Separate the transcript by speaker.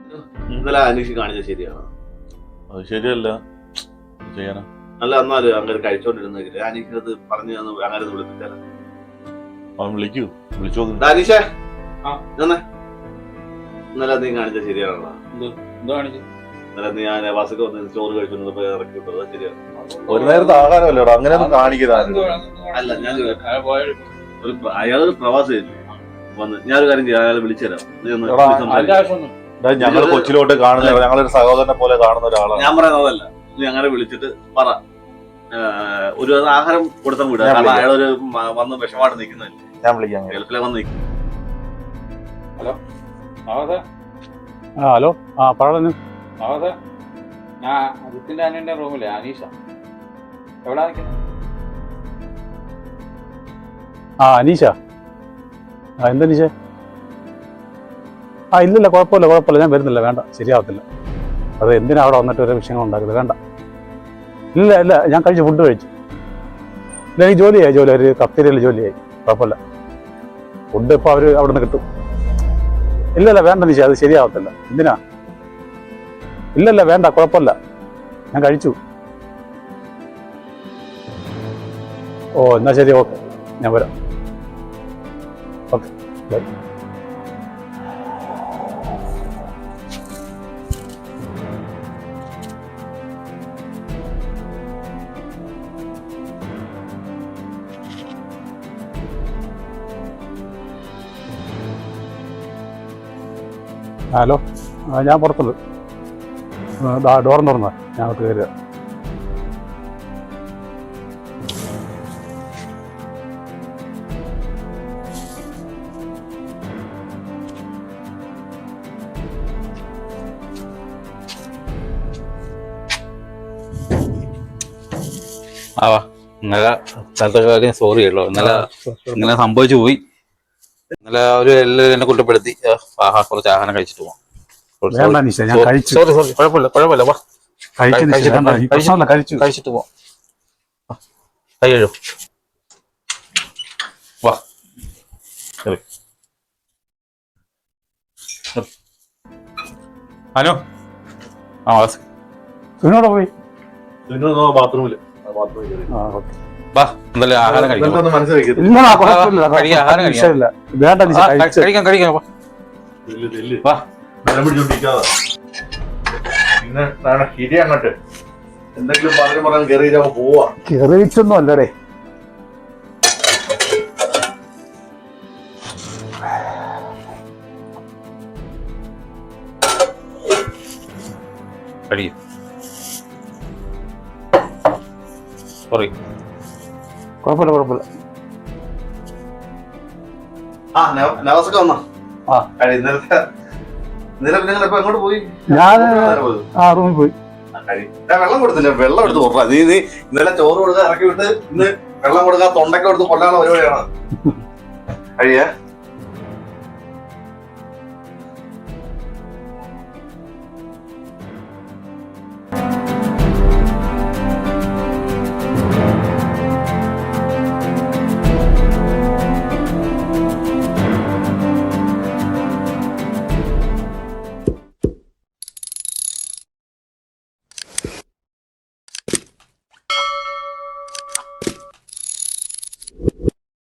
Speaker 1: ഇന്നലെ അനീഷ് കാണിച്ചത് ശരിയാണ്?
Speaker 2: അത് ശരിയല്ല, ചെയ്യാനാ.
Speaker 1: അല്ല, എന്നാലും അങ്ങനെ കഴിച്ചോണ്ടിരുന്നെങ്കിൽ അനീഷിനത് പറഞ്ഞു അങ്ങനെ വിളിപ്പിച്ചാൽ
Speaker 2: അവൻ വിളിക്കൂ, വിളിച്ചു നോക്കുന്നു.
Speaker 1: അനീഷേ, ഇന്നലെ നീ കാണിച്ചത് ശരിയാണല്ലോ? ഇന്നലെ നീ ഞാൻ ബസ്സൊക്കെ വന്ന് ചോറ് കഴിച്ചോണ്ട് ഇറക്കി വിട്ടത് ശരിയാണ്?
Speaker 2: ഒരു നേരത്തെ ആഹാരമല്ലോ അങ്ങനെ ഒന്നും കാണിക്കുന്നത്.
Speaker 1: അല്ല, ഞാൻ അയാളൊരു പ്രവാസിയായിരുന്നു വന്ന്. ഞാനൊരു കാര്യം ചെയ്യാം, അയാളെ വിളിച്ചുതരാം.
Speaker 2: ഞങ്ങൾ കൊച്ചിലോട്ട് കാണുന്ന, ഞങ്ങളൊരു സഹോദരനെ പോലെ കാണുന്ന ഒരാളാണ്.
Speaker 1: ഞാൻ പറയുന്നതല്ല, നീ അങ്ങനെ വിളിച്ചിട്ട് പറ, ഒരു ആഹാരം കൊടുത്താൽ വിടുക. കാരണം അയാളൊരു വന്ന് വിഷമായിട്ട് നിൽക്കുന്നതല്ലേ.
Speaker 2: ഞാൻ വിളിക്കാം,
Speaker 1: ഗൾഫിലെ വന്ന് നിൽക്കും.
Speaker 3: ഹലോ
Speaker 4: ഹലോ, പറഞ്ഞു.
Speaker 3: ഞാൻ ജിത്തിന്റെ അനിയന്റെ റൂമിലെ അനീഷ. എവിടാ നിൽക്കുന്നത്?
Speaker 4: അനീഷ. എന്താ അനീഷ? ഇല്ലില്ല, കുഴപ്പമില്ല, ഞാൻ വരുന്നില്ല. വേണ്ട, ശരിയാവത്തില്ല. അത് എന്തിനാ അവിടെ വന്നിട്ട് ഒരു വിഷയങ്ങൾ ഉണ്ടാക്കുന്നത്? വേണ്ട. ഇല്ല, ഞാൻ ഫുഡ് കഴിച്ചു. ഇല്ല, എനിക്ക് ജോലി ഒരു കഫ്തീരിയയിൽ ജോലിയായി. കുഴപ്പമില്ല. ഫുഡ് ഇപ്പോൾ അവർ അവിടെ നിന്ന് കിട്ടും. ഇല്ല, വേണ്ട അനീഷ, അത് ശരിയാവത്തില്ല. എന്തിനാ? ഇല്ല, വേണ്ട, കുഴപ്പമില്ല, ഞാൻ കഴിച്ചു. എന്നാ ശരി, ഓക്കെ, ഞാൻ വരാം. Okay, by. ഹലോ, ഞാൻ പുറത്തുള്ളൂ. ഡോർ തുറന്നാ, ഞാൻ അകത്ത് കയറുക.
Speaker 3: ഇന്നലെ സ്ഥലത്തെ കാര്യം സോറി കേട്ടോ. ഇന്നലെ സംഭവിച്ചു പോയി. ഇന്നലെ അവര് എല്ലാവരും എന്നെ കുറ്റപ്പെടുത്തി. കുറച്ച് ആഹാരം കഴിച്ചിട്ട് പോവാം. സോറി, കുഴപ്പമില്ല. വാ, കഴിച്ചിട്ട് പോവാം. കൈ കഴിയും. വാ. ഹലോ,
Speaker 4: സുനോടെ പോയി.
Speaker 1: ബാത്റൂമില്
Speaker 3: എന്തായാലും ആഹാരം കഴിക്കാം.
Speaker 1: അങ്ങോട്ട് എന്തെങ്കിലും പറയാൻ കയറി പോവാ.
Speaker 4: കയറിയിച്ചൊന്നും അല്ലടേ. കുഴപ്പമില്ല.
Speaker 1: നവാസൊക്കെ വന്നോ? ഇന്നലെ എങ്ങോട്ട് പോയി?
Speaker 4: ഞാൻ റൂമിൽ പോയി.
Speaker 1: വെള്ളം കൊടുത്തില്ല, വെള്ളം എടുത്ത് കൊടുക്കാം. നീ ഇന്നലെ ചോറ് കൊടുക്കാൻ ഇറക്കി വിട്ട് ഇന്ന് വെള്ളം കൊടുക്കാൻ തൊണ്ടയ്ക്ക് കൊടുത്ത് കൊല്ലാനുള്ള പരിപാടിയാണ് കഴിയാ.